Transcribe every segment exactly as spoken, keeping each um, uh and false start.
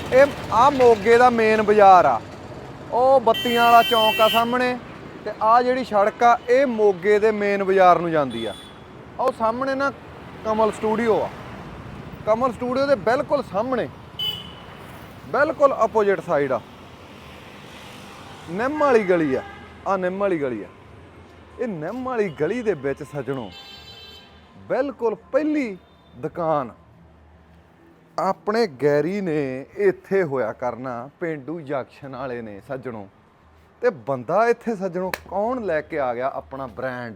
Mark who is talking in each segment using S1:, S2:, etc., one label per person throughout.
S1: ਇਹ ਆ ਮੋਗੇ ਦਾ ਮੇਨ ਬਾਜ਼ਾਰ ਆ, ਉਹ ਬੱਤੀਆਂ ਵਾਲਾ ਚੌਂਕ ਆ ਸਾਹਮਣੇ, ਤੇ ਆ ਜਿਹੜੀ ਸੜਕ ਆ ਇਹ ਮੋਗੇ ਦੇ ਮੇਨ ਬਾਜ਼ਾਰ ਨੂੰ ਜਾਂਦੀ ਆ। ਉਹ ਸਾਹਮਣੇ ਨਾ ਕਮਲ ਸਟੂਡੀਓ ਆ, ਕਮਲ ਸਟੂਡੀਓ ਦੇ ਬਿਲਕੁਲ ਸਾਹਮਣੇ ਬਿਲਕੁਲ ਆਪੋਜੀਟ ਸਾਈਡ ਆ ਨਿੰਮ ਵਾਲੀ ਗਲੀ ਆ। ਆ ਨਿੰਮ ਵਾਲੀ ਗਲੀ ਆ, ਇਹ ਨਿੰਮ ਵਾਲੀ ਗਲੀ ਦੇ ਵਿੱਚ ਸੱਜਣੋ ਬਿਲਕੁਲ ਪਹਿਲੀ ਦੁਕਾਨ ਆਪਣੇ ਗੈਰੀ ਨੇ ਇੱਥੇ ਹੋਇਆ ਕਰਨਾ, ਪੇਂਡੂ ਜੰਕਸ਼ਨ ਵਾਲੇ ਨੇ ਸੱਜਣੋ। ਤੇ ਬੰਦਾ ਇੱਥੇ ਸੱਜਣੋ ਕੌਣ ਲੈ ਕੇ ਆ ਗਿਆ? ਆਪਣਾ ਬ੍ਰਾਂਡ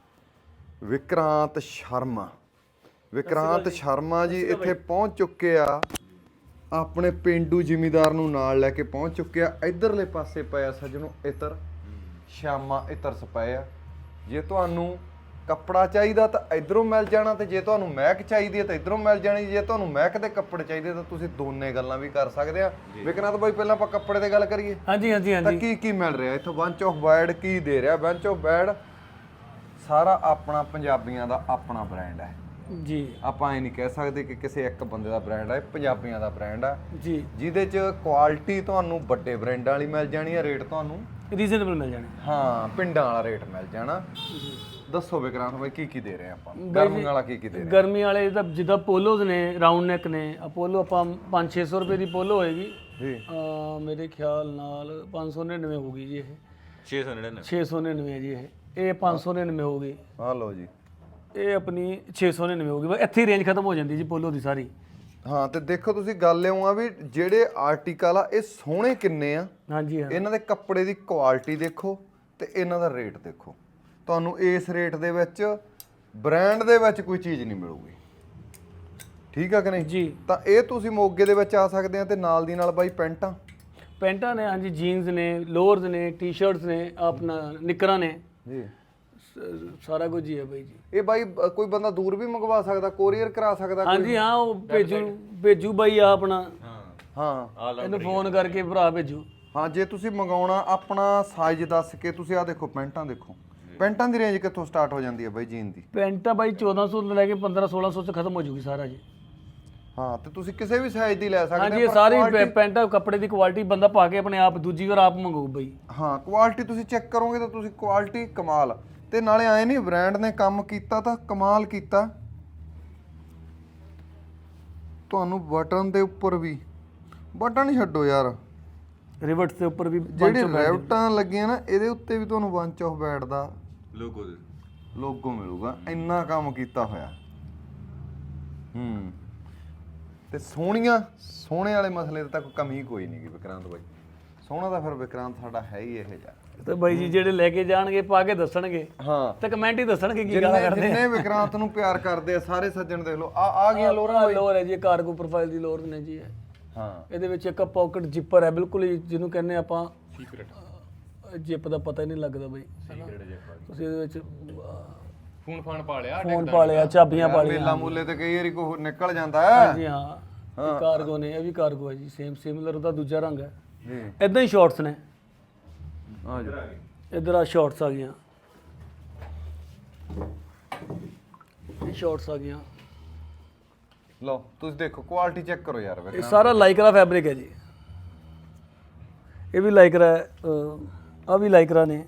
S1: ਵਿਕਰਾਂਤ ਸ਼ਰਮਾ। ਵਿਕਰਾਂਤ ਸ਼ਰਮਾ ਜੀ ਇੱਥੇ ਪਹੁੰਚ ਚੁੱਕੇ ਆ, ਆਪਣੇ ਪੇਂਡੂ ਜ਼ਿਮੀਦਾਰ ਨੂੰ ਨਾਲ ਲੈ ਕੇ ਪਹੁੰਚ ਚੁੱਕੇ ਆ। ਇਧਰਲੇ ਪਾਸੇ ਪਿਆ ਸੱਜਣੋ ਇਤਰ, ਸ਼ਾਮਾ ਇਤਰ ਸਪਾਏ ਆ। ਜੇ ਤੁਹਾਨੂੰ ਕੱਪੜਾ ਚਾਹੀਦਾ ਤਾਂ ਇਧਰੋਂ ਮਿਲ ਜਾਣਾ, ਤੇ ਜੇ ਤੁਹਾਨੂੰ ਮਹਿਕ ਚਾਹੀਦੀ ਹੈ ਤਾਂ ਇਧਰੋਂ ਮਿਲ ਜਾਣੀ। ਜੇ ਤੁਹਾਨੂੰ ਮਹਿਕ ਦੇ ਕੱਪੜੇ ਚਾਹੀਦੇ ਤਾਂ ਤੁਸੀਂ ਦੋਨੇ ਗੱਲਾਂ ਵੀ ਕਰ ਸਕਦੇ ਆ। ਵਿਕਰਾਂਤ ਬਾਈ ਪਹਿਲਾਂ ਆਪਾਂ ਕੱਪੜੇ ਤੇ ਗੱਲ ਕਰੀਏ।
S2: ਹਾਂਜੀ ਹਾਂਜੀ
S1: ਤਾਂ
S2: ਹਾਂਜੀ
S1: ਕੀ ਕੀ ਮਿਲ ਰਿਹਾ ਇੱਥੋਂ? ਬੰਚ ਆਫ ਬੈਡ ਕੀ ਦੇ ਰਿਹਾ? ਬੰਚ ਆਫ ਬੈਡ ਸਾਰਾ ਆਪਣਾ ਪੰਜਾਬੀਆਂ ਦਾ ਆਪਣਾ ਬ੍ਰਾਂਡ ਹੈ
S2: ਜੀ।
S1: ਆਪਾਂ ਇਹ ਨਹੀਂ ਕਹਿ ਸਕਦੇ ਕਿ ਕਿਸੇ ਇੱਕ ਬੰਦੇ ਦਾ ਬ੍ਰਾਂਡ ਹੈ, ਪੰਜਾਬੀਆਂ ਦਾ ਬ੍ਰਾਂਡ ਹੈ
S2: ਜੀ,
S1: ਜਿਹਦੇ ਚ ਕੁਆਲਿਟੀ ਤੁਹਾਨੂੰ ਵੱਡੇ ਬ੍ਰਾਂਡਾਂ ਵਾਲੀ ਮਿਲ ਜਾਣੀ ਹੈ, ਰੇਟ ਤੁਹਾਨੂੰ
S2: ਰੀਜ਼ਨੇਬਲ ਮਿਲ ਜਾਣੇ।
S1: ਹਾਂ ਪਿੰਡਾਂ ਵਾਲਾ ਰੇਟ ਮਿਲ ਜਾਣਾ। ਦੱਸੋ ਵਿਕਰਾਂਤ ਬਾਈ ਕੀ ਕੀ ਦੇ ਰਹੇ ਆਪਾਂ? ਗਰਮੀ ਵਾਲਾ ਕੀ ਕੀ ਦੇ ਰਹੇ?
S2: ਗਰਮੀ ਵਾਲੇ ਤਾਂ ਜਿੱਦਾਂ ਪੋਲੋਜ਼ ਨੇ, ਰਾਉਂਡ ਨੈਕ ਨੇ। ਅਪੋਲੋ ਆਪਾਂ ਪੰਜ ਛੇ ਸੌ ਰੁਪਏ ਦੀ ਪੋਲੋ ਹੋਏਗੀ
S1: ਜੀ,
S2: ਅਹ ਮੇਰੇ ਖਿਆਲ ਨਾਲ ਪੰਜ ਸੌ ਨੜਿਨਵੇਂ ਹੋਊਗੀ ਜੀ। ਇਹ
S3: ਛੇ ਸੌ ਨੜਿਨਵੇਂ
S2: ਛੇ ਸੌ ਨੜਿਨਵੇਂ ਹੈ ਜੀ। ਇਹ ਇਹ ਪੰਜ ਸੌ ਨੜਿਨਵੇਂ ਹੋਊਗੀ।
S1: ਆ ਲਓ ਜੀ,
S2: ਇਹ ਆਪਣੀ ਛੇ ਸੌ ਨੜਿਨਵੇਂ ਹੋਊਗੀ। ਬਸ ਇੱਥੇ ਹੀ ਰੇਂਜ ਖਤਮ ਹੋ ਜਾਂਦੀ ਜੀ ਪੋਲੋ ਦੀ ਸਾਰੀ।
S1: ਹਾਂ ਤੇ ਦੇਖੋ ਤੁਸੀਂ ਗੱਲ ਇਉਂ ਆ ਵੀ ਜਿਹੜੇ ਆਰਟੀਕਲ ਆ ਇਹ ਸੋਹਣੇ ਕਿੰਨੇ ਆ,
S2: ਹਾਂਜੀ ਹਾਂ।
S1: ਇਹਨਾਂ ਦੇ ਕੱਪੜੇ ਦੀ ਕੁਆਲਿਟੀ ਦੇਖੋ ਤੇ ਇਹਨਾਂ ਦਾ ਰੇਟ ਦੇਖੋ। ਤੁਹਾਨੂੰ ਇਸ ਰੇਟ ਦੇ ਵਿੱਚ ਬ੍ਰਾਂਡ ਦੇ ਵਿੱਚ ਕੋਈ ਚੀਜ਼ ਨਹੀਂ ਮਿਲੂਗੀ, ਠੀਕ ਆ ਕਿ ਨਹੀਂ
S2: ਜੀ।
S1: ਤਾਂ ਇਹ ਤੁਸੀਂ ਮੋਗੇ ਦੇ ਵਿੱਚ ਆ ਸਕਦੇ ਆ। ਤੇ ਨਾਲ ਦੀ ਨਾਲ ਬਾਈ ਪੈਂਟਾਂ
S2: ਪੈਂਟਾਂ ਨੇ, ਹਾਂਜੀ, ਜੀਨਸ ਨੇ, ਲੋਅਰਸ ਨੇ, ਟੀ-ਸ਼ਰਟਸ ਨੇ, ਆਪਣਾ ਨਿੱਕਰਾਂ ਨੇ,
S1: ਜੀ,
S2: ਸ- ਸਾਰਾ ਕੁਝ ਹੀ ਹੈ ਬਾਈ ਜੀ।
S1: ਇਹ ਬਾਈ ਅ, ਕੋਈ ਬੰਦਾ ਦੂਰ ਵੀ ਮੰਗਵਾ ਸਕਦਾ, ਕੋਰੀਅਰ ਕਰਾ ਸਕਦਾ ਕੋਈ?
S2: ਹਾਂਜੀ ਹਾਂ, ਉਹ ਭੇਜੂ ਭੇਜੂ ਬਾਈ ਆ ਆਪਣਾ,
S1: ਹਾਂ
S2: ਇਹਨੂੰ ਫੋਨ ਕਰਕੇ ਭਰਾ ਭੇਜੂ।
S1: ਹਾਂ ਜੇ ਤੁਸੀਂ ਮੰਗਾਉਣਾ ਆਪਣਾ ਸਾਈਜ਼ ਦੱਸ ਕੇ ਤੁਸੀਂ ਆ ਦੇਖੋ ਪੈਂਟਾਂ ਦੇਖੋ। ਪੈਂਟਾਂ ਦੀ ਰੇਂਜ ਕਿੱਥੋਂ ਸਟਾਰਟ ਹੋ ਜਾਂਦੀ ਹੈ ਬਾਈ ਜੀਨ ਦੀ?
S2: ਪੈਂਟਾਂ ਬਾਈ ਚੌਦਾਂ ਸੌ ਤੋਂ ਲੈ ਕੇ ਪੰਦਰਾਂ ਸੋਲਾਂ ਸੌ ਚ ਖਤਮ ਹੋ ਜੂਗੀ ਸਾਰਾ ਜੀ।
S1: ਹਾਂ ਤੇ ਤੁਸੀਂ ਕਿਸੇ ਵੀ ਸਾਈਜ਼ ਦੀ ਲੈ ਸਕਦੇ
S2: ਹਾਂਜੀ, ਇਹ
S1: ਪਰ
S2: ਸਾਰੀ
S1: quality-
S2: ਪੈਂਟਾਂ ਕੱਪੜੇ ਦੀ ਕੁਆਲਿਟੀ ਬੰਦਾ ਪਾ ਕੇ ਆਪਣੇ ਆਪ ਦੂਜੀ ਵਾਰ ਆਪ ਮੰਗਾਊ ਬਾਈ।
S1: ਹਾਂ ਕੁਆਲਿਟੀ ਤੁਸੀਂ ਚੈੱਕ ਕਰੋਗੇ ਤਾਂ ਤੁਸੀਂ ਕੁਆਲਿਟੀ ਕਮਾਲ। ਤੇ ਨਾਲੇ ਆਏ ਨਹੀਂ ਬ੍ਰਾਂਡ ਨੇ ਕੰਮ ਕੀਤਾ ਤਾਂ ਕਮਾਲ ਕੀਤਾ। ਤੁਹਾਨੂੰ ਬਟਨ ਦੇ ਉੱਪਰ ਵੀ ਬਟਨ ਹੀ ਛੱਡੋ ਯਾਰ,
S2: ਰਿਵਟਸ ਦੇ ਉੱਪਰ ਵੀ
S1: ਜਿਹੜੀ ਰੈਵਟਾਂ ਲੱਗੀਆਂ ਨਾ ਇਹਦੇ ਉੱਤੇ ਵੀ ਤੁਹਾਨੂੰ ਬੰਚ ਆਫ ਬੈਡ ਦਾ
S3: ਲੋਗੋ ਦੇ
S1: ਲੋਗੋ ਮਿਲੂਗਾ। ਇੰਨਾ ਕੰਮ ਕੀਤਾ ਹੋਇਆ। ਹੂੰ ਤੇ ਸੋਹਣੀਆਂ ਸੋਹਣੇ ਵਾਲੇ ਮਸਲੇ ਤੇ ਤਾਂ ਕੋਈ ਕਮੀ ਕੋਈ ਨਹੀਂ ਗੀ ਵਿਕਰਾਂਤ ਬਾਈ। ਸੋਹਣਾ ਤਾਂ ਫਿਰ ਵਿਕਰਾਂਤ ਸਾਡਾ ਹੈ ਹੀ ਇਹ ਜਿਹਾ।
S2: ਤੇ ਬਾਈ ਜੀ ਜਿਹੜੇ ਲੈ ਕੇ ਜਾਣਗੇ ਪਾ ਕੇ ਦੱਸਣਗੇ,
S1: ਹਾਂ
S2: ਤੇ ਕਮੈਂਟ ਹੀ ਦੱਸਣਗੇ ਕੀ ਗਾਲਾਂ
S1: ਜਿੰਨੇ
S2: ਕਰਦੇ
S1: ਜਿੰਨੇ ਵਿਕਰਾਂਤ ਨੂੰ ਪਿਆਰ ਕਰਦੇ ਆ ਸਾਰੇ ਸੱਜਣ ਦੇਖ ਲਓ। ਆ ਆ ਗਈਆਂ ਲੋਰਾਂ
S2: ਆ। ਲੋਰ ਹੈ ਜੀ, ਕਾਰਗੋ ਪ੍ਰੋਫਾਈਲ ਦੀ ਲੋਰ ਨੇ ਜੀ ਇਹ।
S1: ਹਾਂ
S2: ਇਹਦੇ ਵਿੱਚ ਇੱਕ ਪਾਕਟ ਜਿੱਪਰ ਹੈ, ਬਿਲਕੁਲ ਹੀ ਜਿਹਨੂੰ ਕਹਿੰਦੇ ਆਪਾਂ ਸੀਕ੍ਰੇਟ ਜਿੱਪ ਦਾ ਪਤਾ ਹੀ ਨਹੀਂ ਲੱਗਦਾ ਬਾਈ। ਤੁਸੀਂ ਇਹਦੇ ਵਿੱਚ
S3: ਫੋਨ ਫਾਨ ਪਾ ਲਿਆ,
S2: ਫੋਨ ਪਾ ਲਿਆ, ਚਾਬੀਆਂ ਪਾ ਲਈਆਂ।
S1: ਮੇਲਾ ਮੂਲੇ ਤੇ ਕਈ ਵਾਰੀ ਕੋਈ ਨਿਕਲ ਜਾਂਦਾ ਹੈ।
S2: ਹਾਂਜੀ ਹਾਂ, ਇਹ ਕਾਰਗੋ ਨੇ, ਇਹ ਵੀ ਕਾਰਗੋ ਹੈ ਜੀ। ਸੇਮ ਸਿਮਿਲਰ ਉਹਦਾ ਦੂਜਾ ਰੰਗ ਹੈ।
S1: ਜੀ
S2: ਇਦਾਂ ਹੀ ਸ਼ਾਰਟਸ ਨੇ।
S1: ਆ ਜੀ
S2: ਇਧਰ ਆ ਸ਼ਾਰਟਸ ਆ ਗਈਆਂ, ਇਹ ਸ਼ਾਰਟਸ ਆ ਗਈਆਂ।
S1: ਲਓ ਤੁਸੀਂ ਦੇਖੋ ਕੁਆਲਿਟੀ ਚੈੱਕ ਕਰੋ ਯਾਰ
S2: ਇਹ
S1: ਵਿਕਰਾਂਤ।
S2: ਸਾਰਾ ਲਾਈਕਰਾ ਫੈਬਰਿਕ ਹੈ ਜੀ। ਇਹ ਵੀ ਲਾਈਕਰਾ ਹੈ, ਆ ਵੀ ਲਾਈਕਰਾ ਨੇ।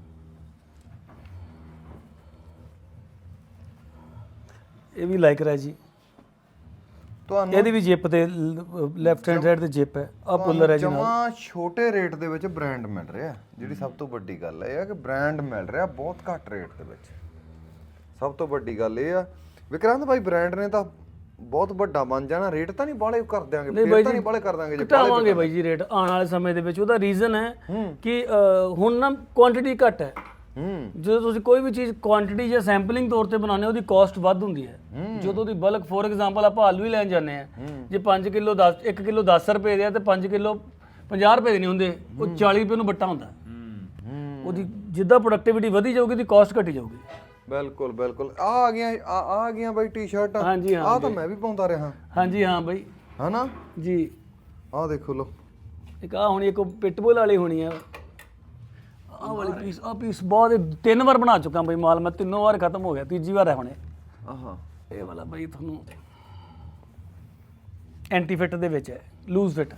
S2: ਇਹ ਵੀ ਲਾਈਕਰਾ ਹੈ ਜੀ।
S1: ਤੁਹਾਨੂੰ
S2: ਇਹਦੀ ਵੀ ਜਿੱਪ ਤੇ ਲੈਫਟ ਹੈਂਡ ਸਾਈਡ ਤੇ ਜਿੱਪ ਹੈ। ਆ ਪੁੱਲਰ ਹੈ ਜੀ ਨਾਲ।
S1: ਜਮਾ ਛੋਟੇ ਰੇਟ ਦੇ ਵਿੱਚ ਬ੍ਰਾਂਡ ਮਿਲ ਰਿਹਾ। ਜਿਹੜੀ ਸਭ ਤੋਂ ਵੱਡੀ ਗੱਲ ਇਹ ਆ ਕਿ ਬ੍ਰਾਂਡ ਮਿਲ ਰਿਹਾ ਬਹੁਤ ਘੱਟ ਰੇਟ ਦੇ ਵਿੱਚ। ਸਭ ਤੋਂ ਵੱਡੀ ਗੱਲ ਇਹ ਆ ਵਿਕਰਾਂਤ ਭਾਈ ਬ੍ਰਾਂਡ ਨੇ ਤਾਂ ਬਹੁਤ ਵੱਡਾ ਬਣ ਜਾਣਾ। ਰੇਟ ਤਾਂ ਨਹੀਂ ਬਾਲੇ ਕਰ ਦਿਆਂਗੇ, ਫਿਰ ਤਾਂ ਨਹੀਂ ਬਾਲੇ ਕਰ ਦਾਂਗੇ ਜੇ
S2: ਘਟਾਵਾਂਗੇ ਬਾਈ ਜੀ ਰੇਟ ਆਉਣ ਵਾਲੇ ਸਮੇਂ ਦੇ ਵਿੱਚ। ਉਹਦਾ ਰੀਜ਼ਨ ਹੈ ਕਿ ਅ, ਹੁਣ ਨਾ ਕੁਆਂਟੀਟੀ ਘੱਟ ਹੈ।
S1: ਹੂੰ
S2: ਜਦੋਂ ਤੁਸੀਂ ਕੋਈ ਵੀ ਚੀਜ਼ ਕੁਆਂਟੀਟੀ ਜਾਂ ਸੈਂਪਲਿੰਗ ਤੌਰ ਤੇ ਬਣਾਉਂਦੇ ਹੋ ਉਹਦੀ ਕਾਸਟ ਵੱਧ ਹੁੰਦੀ ਹੈ। ਜਦੋਂ ਦੀ ਬਲਕ ਫੋਰ ਐਗਜ਼ਾਮਪਲ ਆਪਾਂ ਆਲੂ ਹੀ ਲੈਣ ਜਾਂਦੇ ਆ, ਜੇ ਪੰਜ ਕਿਲੋ ਦਸ ਇੱਕ ਕਿਲੋ ਦਸ ਰੁਪਏ ਦੇ ਆ ਤੇ ਪੰਜ ਕਿਲੋ ਪੰਜਾਹ ਰੁਪਏ ਦੇ ਨਹੀਂ ਹੁੰਦੇ, ਉਹ ਚਾਲੀ ਰੁਪਏ ਨੂੰ ਬੱਟਾ ਹੁੰਦਾ। ਉਹਦੀ ਜਿੱਦਾਂ ਪ੍ਰੋਡਕਟਿਵਿਟੀ ਵਧੀ ਜਾਊਗੀ ਉਹਦੀ ਕਾਸਟ ਘਟੀ ਜਾਊਗੀ।
S1: ਬਿਲਕੁਲ ਬਿਲਕੁਲ। ਆ ਆ ਗਈਆਂ ਆ ਆ ਗਈਆਂ ਬਾਈ ਟੀ-ਸ਼ਰਟਾਂ।
S2: ਹਾਂਜੀ ਹਾਂ
S1: ਆ ਤਾਂ ਮੈਂ ਵੀ ਪਾਉਂਦਾ ਰਿਹਾ।
S2: ਹਾਂਜੀ ਹਾਂ ਬਾਈ
S1: ਹਨਾ
S2: ਜੀ।
S1: ਆ ਦੇਖੋ ਲੋ,
S2: ਇੱਕ ਆ ਹੋਣੀ, ਇੱਕ ਪਿਟਬੁਲ ਵਾਲੀ ਹੋਣੀ ਆ। ਆਹ ਵਾਲੀ ਪੀਸ, ਆਹ ਪੀਸ ਬਹੁਤ ਤਿੰਨ ਵਾਰ ਬਣਾ ਚੁੱਕਾ ਬਈ ਮਾਲ ਮੈਂ, ਤਿੰਨੋਂ ਵਾਰ ਖਤਮ ਹੋ ਗਿਆ, ਤੀਜੀ ਵਾਰ ਹੈ ਹੁਣੇ।
S1: ਆਹਾ
S2: ਇਹ ਵਾਲਾ ਬਈ ਤੁਹਾਨੂੰ ਐਂਟੀ ਫਿੱਟ ਦੇ ਵਿੱਚ ਹੈ। Loose fit.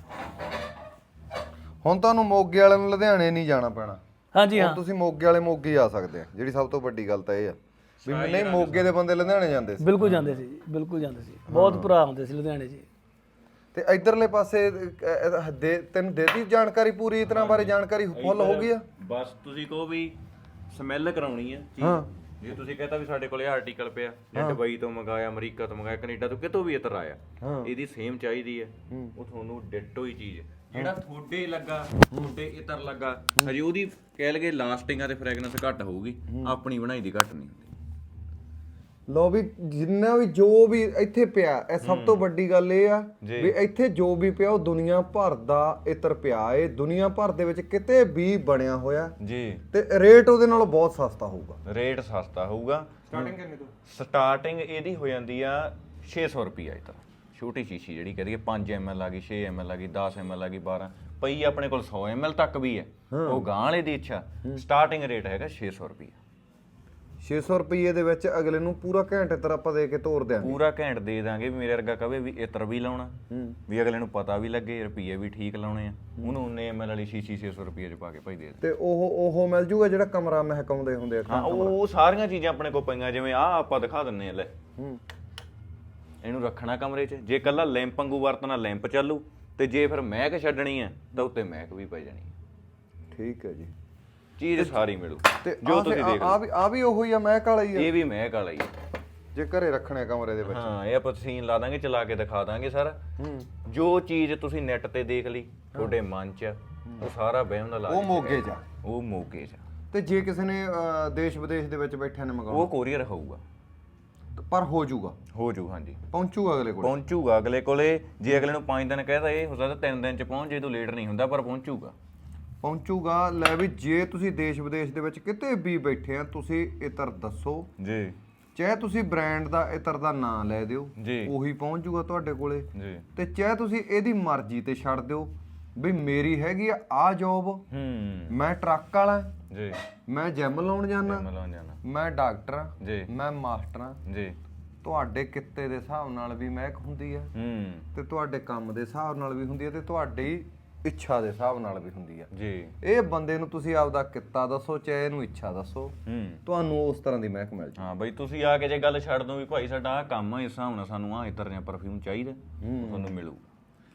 S1: ਹੁਣ ਤੁਹਾਨੂੰ ਮੋਗੇ ਵਾਲੇ ਨੂੰ ਲੁਧਿਆਣੇ ਨਹੀਂ ਜਾਣਾ ਪੈਣਾ,
S2: ਹਾਂਜੀ
S1: ਹੁਣ
S2: ਹਾਂ
S1: ਤੁਸੀਂ ਮੋਗੇ ਵਾਲੇ ਮੋਗੇ ਹੀ ਆ ਸਕਦੇ ਆ। ਜਿਹੜੀ ਸਭ ਤੋਂ ਵੱਡੀ ਗੱਲ ਤਾਂ ਇਹ ਆ ਵੀ ਨਹੀਂ ਮੋਗੇ ਦੇ ਬੰਦੇ ਲੁਧਿਆਣੇ ਜਾਂਦੇ ਸੀ।
S2: ਬਿਲਕੁਲ ਜਾਂਦੇ ਸੀ ਜੀ, ਬਿਲਕੁਲ ਜਾਂਦੇ ਸੀ, ਬਹੁਤ ਭਰਾ ਆਉਂਦੇ ਸੀ ਲੁਧਿਆਣੇ ਜੀ।
S1: ਤੇ ਇਧਰਲੇ ਪਾਸੇ ਅਹ, ਅਹ, ਦੇ ਤੈਨੂੰ ਦੇਤੀ ਜਾਣਕਾਰੀ ਪੂਰੀ ਇਸ ਤਰ੍ਹਾਂ ਬਾਰੇ ਜਾਣਕਾਰੀ ਫੁੱਲ ਹੋ ਗਈ ਆ।
S3: ਬਸ ਤੁਸੀਂ ਕਹੋ ਵੀ ਸਮੈਲ ਕਰਾਉਣੀ ਆ ਚੀਜ਼।
S1: ਹਾਂ।
S3: ਜੇ ਤੁਸੀਂ ਕਹਤਾ ਵੀ ਸਾਡੇ ਕੋਲੇ ਆਰਟੀਕਲ ਪਿਆ ਜਾਂ ਦੁਬਈ ਤੋਂ ਮੰਗਾਇਆ, ਅਮਰੀਕਾ ਤੋਂ ਮੰਗਾਇਆ, ਕੈਨੇਡਾ ਤੋਂ ਕਿਤੋਂ ਵੀ ਇਤਰ ਆਇਆ, ਇਹਦੀ ਸੇਮ ਚਾਹੀਦੀ ਹੈ, ਉਹ ਤੁਹਾਨੂੰ ਡਿਟੋ ਹੀ ਚੀਜ਼ ਜਿਹੜਾ ਤੁਹਾਡੇ ਲੱਗਾ ਤੁਹਾਡੇ ਇਤਰ ਲੱਗਾ ਹਜੇ ਉਹਦੀ ਕਹਿ ਲਗੇ ਲਾਸਟਿੰਗਾਂ ਤੇ ਫ੍ਰੈਗਨੈਂਸ ਘੱਟ ਹੋਊਗੀ, ਆਪਣੀ ਬਣਾਈ ਦੀ ਘੱਟ ਨਹੀਂ ਹੁੰਦੀ।
S1: ਲੋ ਵੀ ਜਿੰਨਾ ਵੀ ਜੋ ਵੀ ਇੱਥੇ ਪਿਆ, ਇਹ ਸਭ ਤੋਂ ਵੱਡੀ ਗੱਲ ਇਹ ਆ ਵੀ ਇੱਥੇ ਜੋ ਵੀ ਪਿਆ ਉਹ ਦੁਨੀਆ ਭਰ ਦਾ ਇਤਰ ਪਿਆ ਏ, ਦੁਨੀਆ ਭਰ ਦੇ ਵਿੱਚ ਕਿਤੇ ਵੀ ਬਣਿਆ ਹੋਇਆ
S3: ਜੀ।
S1: ਤੇ ਰੇਟ ਉਹਦੇ ਨਾਲੋਂ ਬਹੁਤ ਸਸਤਾ ਹੋਊਗਾ।
S3: ਰੇਟ ਸਸਤਾ ਹੋਊਗਾ।
S1: ਸਟਾਰਟਿੰਗ ਕਿੰਨੇ ਤੋਂ?
S3: ਸਟਾਰਟਿੰਗ ਇਹਦੀ ਹੋ ਜਾਂਦੀ ਆ ਛੇ ਸੌ ਰੁਪਈਆ ਇਤਰ। ਛੋਟੀ ਸ਼ੀਸ਼ੀ ਜਿਹੜੀ ਕਹਦੀ ਪੰਜ ਐਮ ਐਲ ਆ ਗਈ, ਛੇ ਐਮ ਐਲ ਆ ਗਈ, ਦਸ ਐਮ ਐਲ ਆ ਗਈ, ਬਾਰਾਂ ਪਈ ਆਪਣੇ ਕੋਲ ਸੌ ਐਮ ਐਲ ਤੱਕ ਵੀ ਹੈ, ਉਹ ਗਾਂ ਵਾਲੇ ਦੀ ਇੱਛਾ। ਸਟਾਰਟਿੰਗ ਰੇਟ ਹੈਗਾ ਛੇ ਸੌ ਰੁਪਈਆ।
S1: ਛੇ ਸੌ ਰੁਪਏ ਦੇ ਵਿੱਚ ਅਗਲੇ ਨੂੰ ਪੂਰਾ ਘੰਟੇ ਤਰ ਆਪਾਂ ਦੇ ਕੇ ਤੋਰ ਦਿਆਂਗੇ।
S3: ਪੂਰਾ ਘੈਂਟ ਦੇ ਦਾਂਗੇ। ਵੀ ਮੇਰੇ ਵਰਗਾ ਕਵੇ ਵੀ ਇਤਰ ਵੀ ਲਾਉਣਾ, ਵੀ ਅਗਲੇ ਨੂੰ ਪਤਾ ਵੀ ਲੱਗੇ ਰੁਪਈਏ ਵੀ ਠੀਕ ਲਾਉਣੇ ਆ, ਉਹਨੂੰ ਉਨੇ ਐਮ ਐਲ ਵਾਲੀ ਸ਼ੀਸ਼ੀ ਛੇ ਸੌ ਰੁਪਏ ਚ ਪਾ ਕੇ ਭਾਈ ਦੇ ਦੇ।
S1: ਤੇ ਉਹ ਉਹ ਮਿਲ ਜੂਗਾ ਜਿਹੜਾ ਕਮਰਾ ਮਹਿਕਾਉਂਦੇ ਹੁੰਦੇ ਆ।
S3: ਹਾਂ, ਉਹ ਸਾਰੀਆਂ ਚੀਜ਼ਾਂ ਆਪਣੇ ਕੋਲ ਪਈਆਂ, ਜਿਵੇਂ ਆਹ ਆਪਾਂ ਦਿਖਾ ਦਿੰਨੇ ਆ। ਲੈ ਇਹਨੂੰ ਰੱਖਣਾ ਕਮਰੇ 'ਚ, ਜੇ ਕੱਲਾ ਲੈਂਪ ਵਾਂਗੂ ਵਰਤਣਾ ਲੈਂਪ ਚੱਲੂ, ਤੇ ਜੇ ਫਿਰ ਮਹਿਕ ਛੱਡਣੀ ਆ ਤਾਂ ਉੱਤੇ ਮਹਿਕ ਵੀ ਪੈ ਜਾਣੀ।
S1: ਠੀਕ ਹੈ ਜੀ,
S3: ਚੀਜ਼ ਸਾਰੀ ਮਿਲੂ
S1: ਤੇ
S3: ਜੋ ਤੁਸੀਂ ਦੇਖ
S1: ਆ ਵੀ ਆ ਵੀ ਉਹੀ ਆ ਮਹਿਕ ਵਾਲਾ ਹੀ ਆ।
S3: ਇਹ ਵੀ ਮਹਿਕ ਵਾਲਾ ਹੀ ਆ
S1: ਜੇ ਘਰੇ ਰੱਖਣੇ ਕਮਰੇ ਦੇ ਵਿੱਚ।
S3: ਹਾਂ, ਇਹ ਆਪਾਂ ਸੀਨ ਲਾ ਦਾਂਗੇ, ਚਲਾ ਕੇ ਦਿਖਾ ਦਾਂਗੇ ਸਾਰਾ। ਜੋ ਚੀਜ਼ ਤੁਸੀਂ ਨੈਟ ਤੇ ਦੇਖ ਲਈ ਤੁਹਾਡੇ ਮਨ 'ਚ, ਉਹ ਸਾਰਾ ਵਹਿਮ ਦਾ ਇਲਾਜ
S1: ਉਹ ਮੋਗੇ 'ਚ ਆ।
S3: ਉਹ ਮੋਗੇ 'ਚ।
S1: ਤੇ ਜੇ ਕਿਸੇ ਨੇ ਅਹ, ਦੇਸ਼ ਵਿਦੇਸ਼ ਦੇ ਵਿੱਚ ਬੈਠਿਆਂ ਨੇ ਮੰਗਾਉਣਾ,
S3: ਉਹ ਕੋਰੀਅਰ ਹੋਊਗਾ,
S1: ਪਰ ਹੋ ਜਾਊਗਾ,
S3: ਹੋ ਜੂ। ਹਾਂਜੀ,
S1: ਪਹੁੰਚੂਗਾ ਅਗਲੇ ਕੋਲ।
S3: ਪਹੁੰਚੂਗਾ ਅਗਲੇ ਕੋਲੇ। ਜੇ ਅਗਲੇ ਨੂੰ ਪੰਜ ਦਿਨ ਕਹਿਦਾ, ਇਹ ਹੋ ਸਕਦਾ ਤਿੰਨ ਦਿਨ 'ਚ ਪਹੁੰਚ ਜੇ, ਤੋਂ ਲੇਟ ਨਹੀਂ ਹੁੰਦਾ, ਪਰ ਪਹੁੰਚੂਗਾ।
S1: ਪਹੁੰਚੂਗਾ। ਲੈ ਵੀ ਜੇ ਤੁਸੀਂ ਦੇਸ਼ ਵਿਦੇਸ਼ ਦੇ ਵਿੱਚ ਕਿਤੇ ਵੀ ਬੈਠੇ ਆ, ਤੁਸੀਂ ਇਤਰ ਦੱਸੋ
S3: ਜੀ,
S1: ਚਾਹੇ ਤੁਸੀਂ ਬ੍ਰਾਂਡ ਦਾ ਇਤਰ ਦਾ ਨਾਂ ਲੈ ਦਿਓ,
S3: ਜੀ,
S1: ਉਹੀ ਪਹੁੰਚ ਜੂਗਾ ਤੁਹਾਡੇ ਕੋਲੇ।
S3: ਜੀ।
S1: ਤੇ ਚਾਹੇ ਤੁਸੀਂ ਇਹਦੀ ਮਰਜ਼ੀ ਤੇ ਛੱਡ ਦਿਓ ਵੀ ਮੇਰੀ ਹੈਗੀ ਆ ਆ ਜੋਬ,
S3: ਹੂੰ,
S1: ਮੈਂ ਟਰੱਕ ਵਾਲਾ,
S3: ਜੀ,
S1: ਮੈਂ ਜਿਮ ਲਾਉਣ ਜਾਣਾ,
S3: ਮਿਲਾਉਣ ਜਾਣਾ,
S1: ਮੈਂ ਡਾਕਟਰ ਆ,
S3: ਜੀ,
S1: ਮੈਂ ਮਾਸਟਰ ਆ।
S3: ਜੀ।
S1: ਤੁਹਾਡੇ ਕਿੱਤੇ ਦੇ ਹਿਸਾਬ ਨਾਲ ਵੀ ਮਹਿਕ ਹੁੰਦੀ ਆ,
S3: ਹੂੰ,
S1: ਤੇ ਤੁਹਾਡੇ ਕੰਮ ਦੇ ਹਿਸਾਬ ਨਾਲ ਵੀ ਹੁੰਦੀ ਆ, ਤੇ ਤੁਹਾਡੀ ਇੱਛਾ ਦੇ ਹਿਸਾਬ ਨਾਲ ਵੀ ਹੁੰਦੀ ਆ।
S3: ਜੀ।
S1: ਇਹ ਬੰਦੇ ਨੂੰ ਤੁਸੀਂ ਆਪਦਾ ਕਿੱਤਾ ਦੱਸੋ, ਚਾਹੇ ਇਹਨੂੰ ਇੱਛਾ ਦੱਸੋ,
S3: ਹੂੰ,
S1: ਤੁਹਾਨੂੰ ਉਸ ਤਰ੍ਹਾਂ ਦੀ ਮਹਿਕ ਮਿਲ ਜੂ।
S3: ਹਾਂ ਬਈ, ਤੁਸੀਂ ਆ ਕੇ ਜੇ ਗੱਲ ਛੱਡ ਦੋ ਵੀ ਭਾਈ ਸਾਡਾ ਆਹ ਕੰਮ ਆ, ਇਸ ਹਿਸਾਬ ਨਾਲ ਸਾਨੂੰ ਆਹ ਇਤਰ ਜਾਂ ਪਰਫਿਊਮ ਚਾਹੀਦਾ, ਤੁਹਾਨੂੰ ਮਿਲੂਗਾ।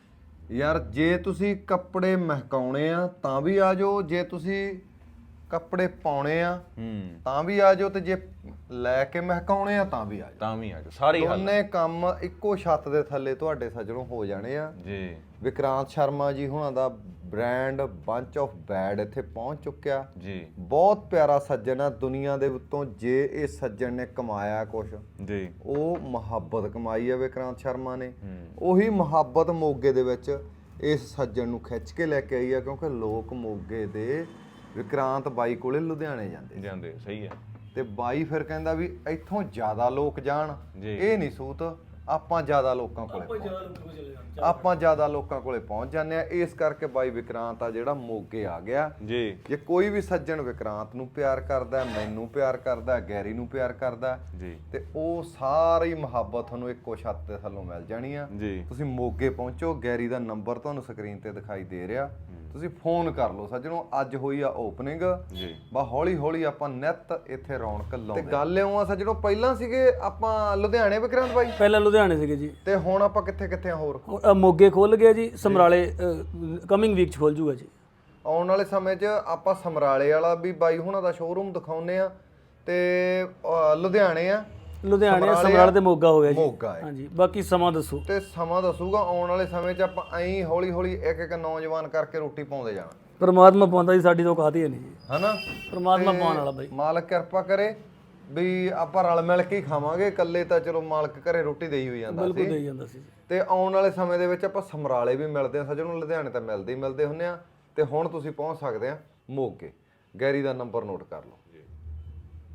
S1: ਯਾਰ ਜੇ ਤੁਸੀਂ ਕੱਪੜੇ ਮਹਿਕਾਉਣੇ ਆ ਤਾਂ ਵੀ ਆ ਜਾਓ, ਜੇ ਤੁਸੀਂ ਕੱਪੜੇ ਪਾਉਣੇ ਆ
S3: ਹੂੰ,
S1: ਤਾਂ ਵੀ ਆ ਜਾਓ, ਤੇ ਜੇ ਲੈ ਕੇ ਮਹਿਕਾਉਣੇ ਆ ਤਾਂ ਵੀ ਆ ਜਾਓ।
S3: ਤਾਂ ਵੀ ਆ ਜਾਓ, ਸਾਰੇ ਹੱਲ।
S1: ਦੋਨੇ ਕੰਮ ਇੱਕੋ ਛੱਤ ਦੇ ਥੱਲੇ ਤੁਹਾਡੇ ਸੱਜਣੋਂ ਹੋ ਜਾਣੇ ਆ।
S3: ਜੀ।
S1: ਵਿਕਰਾਂਤ ਸ਼ਰਮਾ ਜੀ ਹੁਣਾਂ ਦਾ ਬ੍ਰਾਂਡ ਬੰਚ ਆਫ ਬੈਡ ਇੱਥੇ ਪਹੁੰਚ ਚੁੱਕਿਆ।
S3: ਜੀ।
S1: ਬਹੁਤ ਪਿਆਰਾ ਸੱਜਣ ਆ ਦੁਨੀਆ ਦੇ ਉੱਤੋਂ। ਜੇ ਇਹ ਸੱਜਣ ਨੇ ਕਮਾਇਆ ਕੁਛ,
S3: ਜੀ,
S1: ਉਹ ਮੁਹੱਬਤ ਕਮਾਈ ਆ ਵਿਕਰਾਂਤ ਸ਼ਰਮਾ ਨੇ। ਉਹੀ ਮੁਹੱਬਤ ਮੋਗੇ ਦੇ ਵਿੱਚ ਇਸ ਸੱਜਣ ਨੂੰ ਖਿੱਚ ਕੇ ਲੈ ਕੇ ਆਈ ਆ, ਕਿਉਂਕਿ ਲੋਕ ਮੋਗੇ ਦੇ ਵਿਕਰਾਂਤ ਬਾਈ ਕੋਲੇ ਲੁਧਿਆਣੇ ਜਾਂਦੇ
S3: ਜਾਂਦੇ। ਸਹੀ ਹੈ।
S1: ਤੇ ਬਾਈ ਫਿਰ ਕਹਿੰਦਾ ਵੀ ਇੱਥੋਂ ਜ਼ਿਆਦਾ ਲੋਕ ਜਾਣ,
S3: ਜੀ।
S1: ਇਹ ਨਹੀਂ ਸੂਤ, ਆਪਾਂ ਜ਼ਿਆਦਾ ਲੋਕਾਂ ਕੋਲੇ ਪਹੁੰਚ- ਆਪਾਂ ਜ਼ਿਆਦਾ ਲੋਕਾਂ ਕੋਲੇ ਪਹੁੰਚ ਜਾਂਦੇ ਆ। ਇਸ ਕਰਕੇ ਬਾਈ ਵਿਕਰਾਂਤ ਆ ਜਿਹੜਾ ਮੋਗੇ ਆ ਗਿਆ।
S3: ਜੀ।
S1: ਜੇ ਕੋਈ ਵੀ ਸੱਜਣ ਵਿਕਰਾਂਤ ਨੂੰ ਪਿਆਰ ਕਰਦਾ, ਮੈਨੂੰ ਪਿਆਰ ਕਰਦਾ, ਗੈਰੀ ਨੂੰ ਪਿਆਰ ਕਰਦਾ,
S3: ਜੀ,
S1: ਤੇ ਉਹ ਸਾਰੀ ਮੁਹੱਬਤ ਤੁਹਾਨੂੰ ਇੱਕੋ ਛੱਤ ਦੇ ਥੱਲੋਂ ਮਿਲ ਜਾਣੀ ਆ।
S3: ਜੀ।
S1: ਤੁਸੀਂ ਮੋਗੇ ਪਹੁੰਚੋ, ਗੈਰੀ ਦਾ ਨੰਬਰ ਤੁਹਾਨੂੰ ਸਕਰੀਨ ਤੇ ਦਿਖਾਈ ਦੇ ਰਿਹਾ, ਤੁਸੀਂ ਫੋਨ ਕਰ ਲਓ ਸੱਜਣੋ। ਅੱਜ ਹੋਈ ਆ ਓਪਨਿੰਗ,
S3: ਜੀ।
S1: ਬਾ ਹੌਲੀ ਹੌਲੀ ਆਪਾਂ ਨਿੱਤ ਇੱਥੇ ਰੌਣਕ ਲਾਉਂਦੇ। ਤੇ ਗੱਲ ਇਉਂ ਆ ਸੱਜਣੋ, ਪਹਿਲਾਂ ਸੀਗੇ ਆਪਾਂ ਲੁਧਿਆਣੇ ਵਿਕਰਾਂਤ ਬਾਈ,
S2: ਪਹਿਲਾਂ ਲੁਧਿਆਣੇ ਸੀਗੇ ਜੀ,
S1: ਤੇ ਹੁਣ ਆਪਾਂ ਕਿੱਥੇ ਕਿੱਥੇ ਆ ਹੋਰ?
S2: ਹੁਣ, ਅ, ਮੋਗੇ ਖੁੱਲ ਗਿਆ ਜੀ, ਸਮਰਾਲੇ ਕਮਿੰਗ ਵੀਕ ਚ ਖੁੱਲ ਜੂਗਾ ਜੀ।
S1: ਆਉਣ ਵਾਲੇ ਸਮੇਂ 'ਚ ਆਪਾਂ ਸਮਰਾਲੇ ਵਾਲਾ ਵੀ ਬਾਈ ਹੁਣਾਂ ਦਾ ਸ਼ੋਰੂਮ ਦਿਖਾਉਨੇ ਆ, ਤੇ ਅ, ਲੁਧਿਆਣੇ ਆ,
S2: ਲੁਧਿਆਣੇ ਸਮਰਾਲੇ ਤੇ ਮੋਗਾ ਹੋ ਗਿਆ ਜੀ।
S1: ਮੋਗਾ ਹੈ।
S2: ਹਾਂਜੀ, ਬਾਕੀ ਸਮਾਂ ਦੱਸੋ।
S1: ਤੇ ਸਮਾਂ ਦੱਸੂਗਾ। ਆਉਣ ਵਾਲੇ ਸਮੇਂ 'ਚ ਆਪਾਂ ਐਂ ਹੌਲੀ ਹੌਲੀ ਇੱਕ ਇੱਕ ਨੌਜਵਾਨ ਕਰਕੇ ਰੋਟੀ ਪਾਉਂਦੇ ਜਾਣਾ।
S2: ਪਰਮਾਤਮਾ ਪਾਉਂਦਾ ਜੀ, ਸਾਡੀ ਤਾਂ ਔਕਾਤ ਹੀ ਨਹੀਂ ਜੀ।
S1: ਹਨਾ?
S2: ਪਰਮਾਤਮਾ ਪਾਉਣ ਵਾਲਾ ਬਾਈ।
S1: ਮਾਲਕ ਕਿਰਪਾ ਕਰੇ ਵੀ ਆਪਾਂ ਰਲ ਮਿਲ ਕੇ ਹੀ ਖਾਵਾਂਗੇ। ਇਕੱਲੇ ਤਾਂ ਚਲੋ ਮਾਲਕ ਘਰੇ ਰੋਟੀ ਦੇਈ ਹੋਈ ਜਾਂਦਾ
S2: ਬਿਲਕੁਲ
S1: ਸੀ।
S2: ਦੇਈ ਜਾਂਦਾ ਸੀ।
S1: ਤੇ ਆਉਣ ਵਾਲੇ ਸਮੇਂ ਦੇ ਵਿੱਚ ਆਪਾਂ ਸਮਰਾਲੇ ਵੀ ਮਿਲਦੇ ਆ ਸੱਜਣੋਂ, ਲੁਧਿਆਣੇ ਤਾਂ ਮਿਲਦੇ ਹੀ ਮਿਲਦੇ ਹੁੰਦੇ ਆ, ਤੇ ਹੁਣ ਤੁਸੀਂ ਪਹੁੰਚ ਸਕਦੇ ਆ ਮੋਗੇ। ਗੈਰੀ ਦਾ ਨੰਬਰ ਨੋਟ ਕਰ ਲਓ।